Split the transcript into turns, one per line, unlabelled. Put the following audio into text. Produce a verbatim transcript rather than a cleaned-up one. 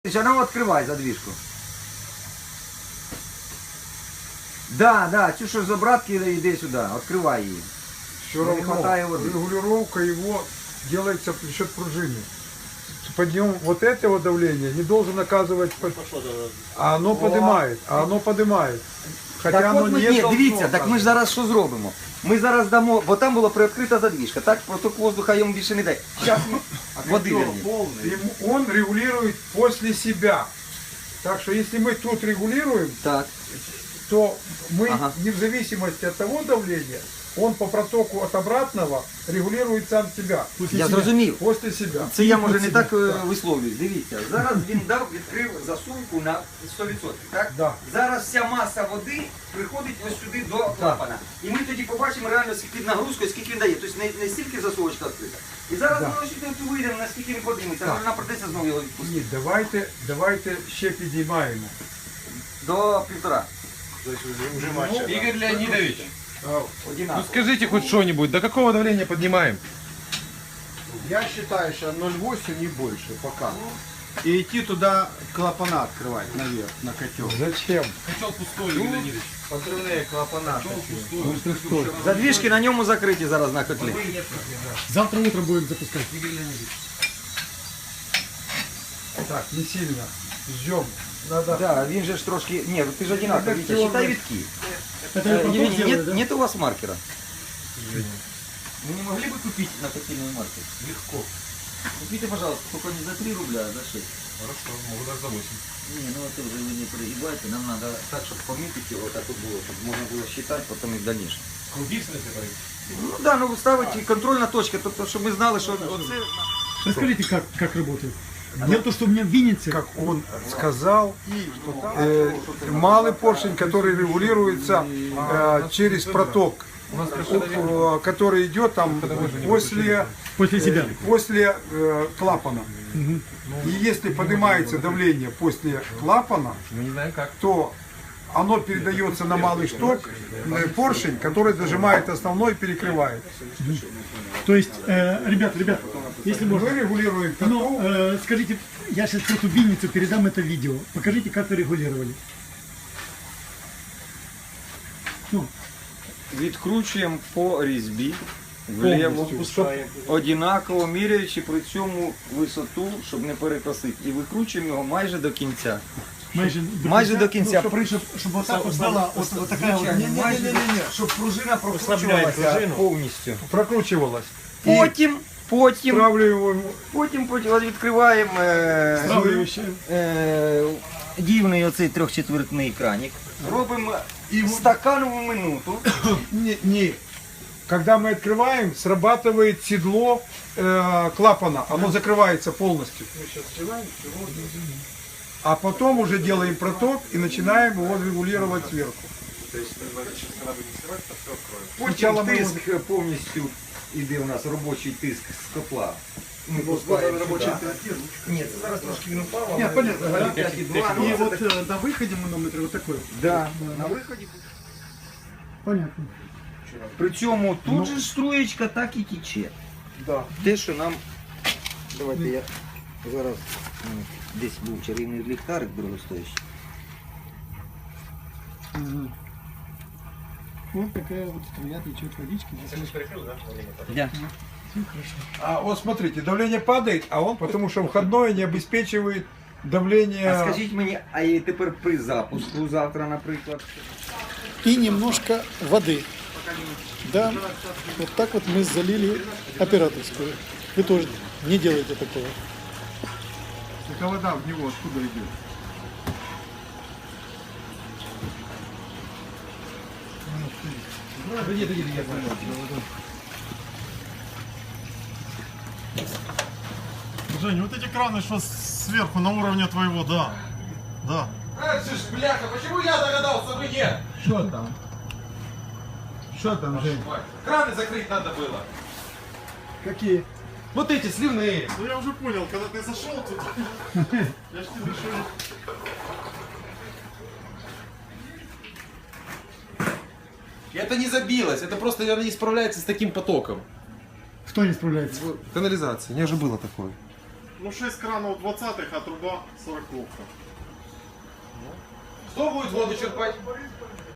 А ну открывай задвижку. Да, да, чё ж за братки, иди сюда, открывай ее.
Все равно хватает воды. Регулировка его делается за счет пружины. Подъем вот этого давления не должен оказывать, а оно поднимает, а оно поднимает. Хоча
Так
оно
от ми,
не
ні,
должно
дивіться, так ми ж
оказывать.
зараз що зробимо? Ми зараз дамо, бо там була приоткрита задвижка, так проток воздуха йому більше не дай. Зараз ми води верні.
Ему- Он регулирует после себя. Так что если мы тут регулируем,
Так.
то мы
Ага.
не в зависимости от того давления, он по протоку от обратного регулирует сам себя.
Я зрозумів.
После себя.
Це я може не так е, висловлююсь. Дивіться, зараз він дав, відкрив засувку на сто відсотків, так?
Да.
Зараз вся маса води приходить ось сюди до клапана. І ми тоді побачимо реально під нагрузкою, скільки він дає. Тобто не, не стільки засувочка відкрита. І зараз
Да.
ми ось сюди вийдемо, наскільки він подиметься.
Так.
Може нам придеться знову його відпустити.
Ні, давайте, давайте ще підіймаємо.
До півтора.
Игорь Леонидович,
А,
ну
Одинаково.
скажите хоть что-нибудь, до какого давления поднимаем?
Я считаю, что ноль восемь не больше пока. И идти туда клапана открывать наверх, на котел.
Зачем?
Котел пустой, Игорь Леонидович.
Подрывные клапана. такие.
Задвижки на ньому закриті зараз на котлі.
Завтра утром будем запускать.
Так, не сильно. Ждем. Надо.
Да, він же ж трошки... Ні, ти ж одинаково, Вітя, считай витки.
Это
Э,
я потом
Евгений,
сделаю,
нет,
да?
нет у вас маркера? Вы не могли бы купить на коктейльный маркер?
Легко.
Купите, пожалуйста, только не за три рубля, а за шесть.
Хорошо, могу даже за восемь.
Не, ну это уже вы не перегибайте, нам надо так, чтобы помітити його, так вот было, чтобы можно было считать потом и в дальнейшем.
Круги, в смысле, говорите?
Ну да, ну ставить контрольна точка, тобто, щоб ми знали, що оце...
Расскажите, как, как работает. Дело в том, что у меня в Виннице,
Как он сказал, э, малый поршень, который регулируется э, через проток, э, который идет там после,
после себя.
после э, клапана. И если поднимается давление после клапана,
Мы не знаем как.
то оно передается на малый шток, э, поршень, который дожимает основной и перекрывает.
То есть, э, ребят, ребят, если можно,
Мы регулируем
ну,
котел.
э, скажите, я сейчас просто в Винницу передам это видео. Покажите, как вы регулировали. Ну,
Відкручуємо по різьбі, вліво,
Повністю.
однаково міряючи при цьому висоту, щоб не перекосити. І викручуємо його майже до кінця.
майже до
Майже
конца.
до кінця.
Ну,
При-
щоб, щоб отак от була от, от така от,
Звичайно, майже до- щоб пружина прокручувалася повністю.
Прокручивалось.
Потім, потім,
Стравливаем.
потім, потім от відкриваємо е,
Стравлююче.
е, дівний оцей трьохчетвертний краник. Робимо стаканову минуту.
Не, не. Когда мы открываем, срабатывает седло э, клапана. Оно закрывается полностью. А потом уже делаем проток и начинаем его регулировать сверху.
Потім
Спочатку ми
тиск повністю іде у нас робочий тиск з котла. Ми пускаємо робочий тиск. Ні, це зараз трошки він упав.
Нет, понятно, да?
п'ять і два.
И вот э, на выходе манометр вот такой.
Да, на виході.
Понятно.
Причому тут же струєчка так і тече.
Да.
Те, що нам... Давайте я зараз... ну, десь був чарівний ліхтарик дорогостоящий.
Ага. Вот такая вот струя течет водички.
Да.
А вот смотрите, давление падает, а он потому что входное не обеспечивает давление.
А скажіть мені, а і тепер при запуску завтра, наприклад?
И немножко воды. Да, вот так вот мы залили операторскую. Вы тоже не делайте такого.
Только вода в него откуда идет?
Жень, вот эти краны, что сверху на уровне твоего, да. Да.
Бляха, почему я догадался, вы нет?
Что там? Что там, Жень?
Краны закрыть надо было.
Какие?
Вот эти сливные.
Ну я уже понял, когда ты зашел тут. Я ж тебе решил.
И это не забилось, это просто она не справляется с таким потоком.
Кто не справляется?
Канализация, у меня же было такое.
Ну шесть кранов двадцатых, а труба сороковка.
Кто будет воду черпать?